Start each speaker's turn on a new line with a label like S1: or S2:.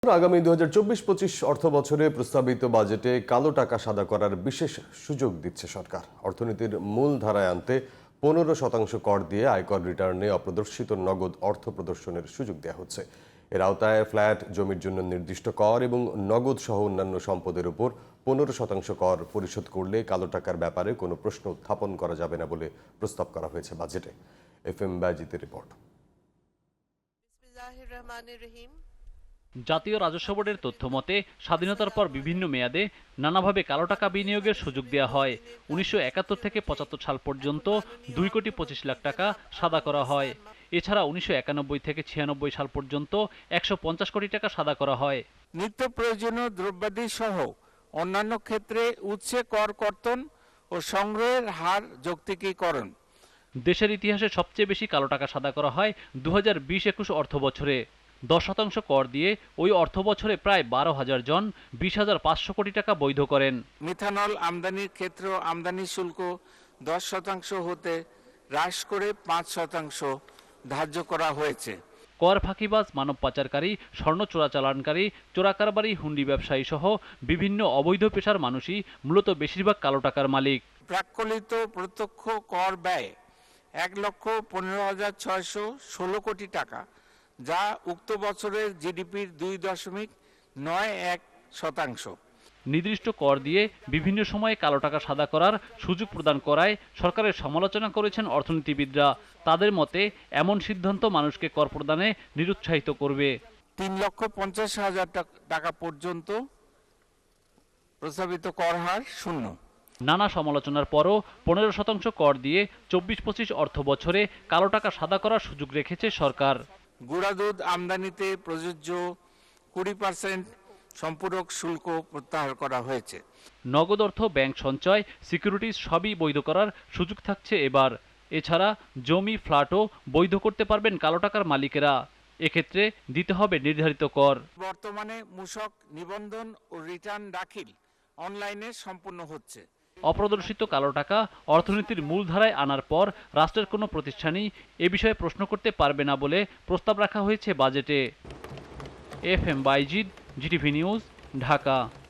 S1: আগামী 2024-25 অর্থ বছরে প্রস্তাবিত বাজেটে কালো টাকা সাদা করার বিশেষ সুযোগ দিচ্ছে সরকার। অর্থনীতির মূল ধারায় আনতে 15% কর দিয়ে আয়কর রিটার্নে অপ্রদর্শিত নগদ অর্থ প্রদর্শনের সুযোগ দেওয়া হচ্ছে। এর আওতায় ফ্ল্যাট, জমির জন্য নির্দিষ্ট কর এবং নগদ সহ অন্যান্য সম্পদের উপর 15% কর পরিশোধ করলে কালো টাকার ব্যাপারে কোনো প্রশ্ন উত্থাপন করা যাবে না বলে প্রস্তাব করা হয়েছে বাজেটে। FM বাজিতের রিপোর্ট।
S2: জাতীয় রাজস্ব বোর্ডের তথ্য মতে স্বাধীনতার পর বিভিন্ন মেয়াদে নানাভাবে কালো টাকা বিনিয়োগের সুযোগ দেওয়া হয়। 1971 থেকে 75 সাল পর্যন্ত 2,25,00,000 টাকা সাদা করা হয়। এছাড়া 1991 থেকে 96 সাল পর্যন্ত 150 কোটি টাকা সাদা করা হয়।
S3: নিত্য প্রয়োজনীয় দ্রব্যাদি সহ অন্যান্য ক্ষেত্রে উৎসে কর কর্তন ও সংগ্রহের হার যৌক্তিকীকরণ।
S2: দেশের ইতিহাসে সবচেয়ে বেশি কালো টাকা সাদা করা হয় 2020-21 অর্থ বছরে। 10% কর দিয়ে ওই অর্থ বছরে প্রায় 12,000 জন 20,500 কোটি টাকা বৈধ করেন।
S3: মিথানল আমদানির ক্ষেত্রে আমদানি শুল্ক 10% হতে হ্রাস করে 5% ধার্য করা হয়েছে।
S2: কর ফাঁকিবাজ, মানব পাচারকারী, স্বর্ণ চোরাচালানকারী, চোরাকারবারি, হুন্ডি ব্যবসায়ী সহ বিভিন্ন অবৈধ পেশার মানুষই মূলত বেশিরভাগ কালো টাকার মালিক।
S3: প্রাক্কলিত প্রত্যক্ষ কর ব্যয় 1,15,616 কোটি টাকা, যা উক্ত বছরের জিডিপির 2.91%।
S2: নির্দিষ্ট কর দিয়ে বিভিন্ন সময়ে কালো টাকা সাদা করার সুযোগ প্রদান করায় সরকারের সমালোচনা করেছেন অর্থনীতিবিদরা। তাদের মতে এমন সিদ্ধান্ত মানুষকে কর প্রদানে নিরুৎসাহিত করবে।
S3: 3,50,000 টাকা পর্যন্ত প্রস্তাবিত কর হার শূন্য।
S2: নানা সমালোচনার পরও 15% কর দিয়ে 24-25 অর্থ বছরে কালো টাকা সাদা করার সুযোগ রেখেছে সরকার।
S3: গুঁড়া দুধ আমদানিতে প্রযোজ্য 20% সম্পূরক শুল্ক প্রত্যাহার করা হয়েছে।
S2: নগদ অর্থ, ব্যাংক সঞ্চয়, সিকিউরিটিজ সবই বৈধ করার সুযোগ থাকছে এবার। এছাড়া জমি, ফ্ল্যাটও বৈধ করতে পারবেন কালো টাকার মালিকেরা। এক্ষেত্রে দিতে হবে নির্ধারিত কর।
S3: বর্তমানে মূসক নিবন্ধন ও রিটার্ন দাখিল অনলাইনে সম্পূর্ণ হচ্ছে।
S2: অপ্রদর্শিত কালো টাকা অর্থনীতির মূলধারায় আনার পর রাষ্ট্রের কোনো প্রতিষ্ঠানই এ বিষয়ে প্রশ্ন করতে পারবে না বলে প্রস্তাব রাখা হয়েছে বাজেটে। FM Bayezid, GTV news, Dhaka.